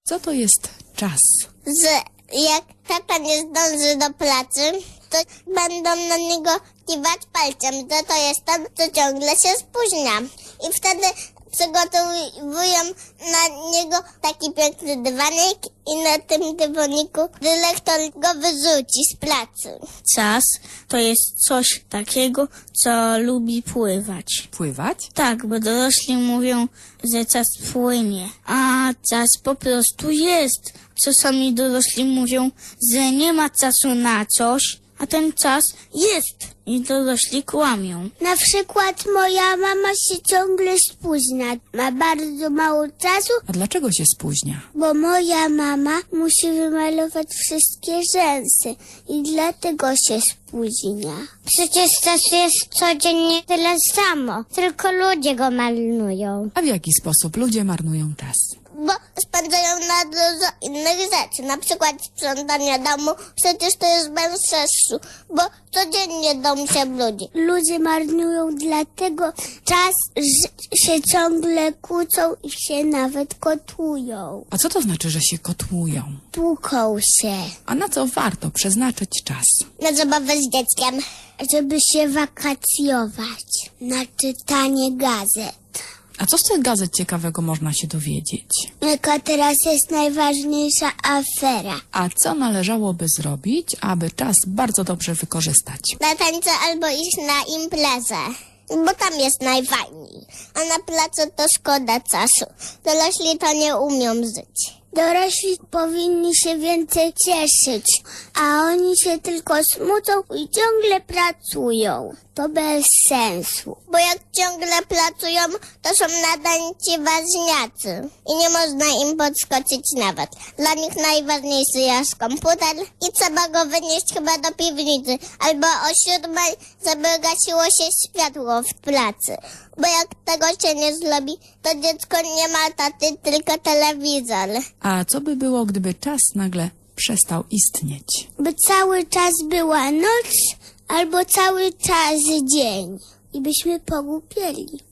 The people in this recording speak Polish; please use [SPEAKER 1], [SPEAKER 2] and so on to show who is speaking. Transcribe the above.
[SPEAKER 1] Co to jest czas?
[SPEAKER 2] Że jak tata nie zdąży do pracy, to będą na niego kiwać palcem, że to jest ten, co ciągle się spóźnia. I wtedy przygotowują na niego taki piękny dywanik i na tym dywaniku dyrektor go wyrzuci z pracy.
[SPEAKER 3] Czas to jest coś takiego, co lubi pływać.
[SPEAKER 1] Pływać?
[SPEAKER 3] Tak, bo dorośli mówią, że czas płynie, a czas po prostu jest. Czasami dorośli mówią, że nie ma czasu na coś, a ten czas jest i dorośli kłamią.
[SPEAKER 4] Na przykład moja mama się ciągle spóźnia. Ma bardzo mało czasu,
[SPEAKER 1] A dlaczego się spóźnia?
[SPEAKER 4] bo moja mama musi wymalować wszystkie rzęsy i dlatego się spóźnia.
[SPEAKER 2] Przecież czas jest codziennie tyle samo, tylko ludzie go malują.
[SPEAKER 1] A w jaki sposób ludzie marnują czas?
[SPEAKER 2] Bo spędzają na dużo innych rzeczy, na przykład sprzątanie domu, przecież to jest bez sensu, bo codziennie dom się brudzi.
[SPEAKER 4] Ludzie marnują dlatego czas, że się ciągle kłócą i się nawet kotują.
[SPEAKER 1] A co to znaczy, że się kotłują?
[SPEAKER 4] Tłuką się,
[SPEAKER 1] A na co warto przeznaczyć czas?
[SPEAKER 2] Na zabawę z dzieckiem.
[SPEAKER 4] żeby się wakacjować. Na czytanie gazet.
[SPEAKER 1] A co z tych gazet ciekawego można się dowiedzieć?
[SPEAKER 4] Jaka teraz jest najważniejsza afera?
[SPEAKER 1] A co należałoby zrobić, aby czas bardzo dobrze wykorzystać?
[SPEAKER 2] Na tańce albo iść na imprezę, bo tam jest najfajniej. A na placu to szkoda czasu. Dorośli to nie umią żyć.
[SPEAKER 4] Dorośli powinni się więcej cieszyć, a oni się tylko smucą i ciągle pracują. To bez sensu.
[SPEAKER 2] Bo jak ciągle pracują, to są nadańci ważniacy. I nie można im podskoczyć nawet. Dla nich najważniejszy jest komputer i trzeba go wynieść chyba do piwnicy. Albo o 7:00, żeby gasiło się światło w pracy. Bo jak tego się nie zrobi, to dziecko nie ma taty, tylko telewizor.
[SPEAKER 1] A co by było, gdyby czas nagle przestał istnieć?
[SPEAKER 4] By cały czas była noc albo cały czas dzień i byśmy pogłupieli.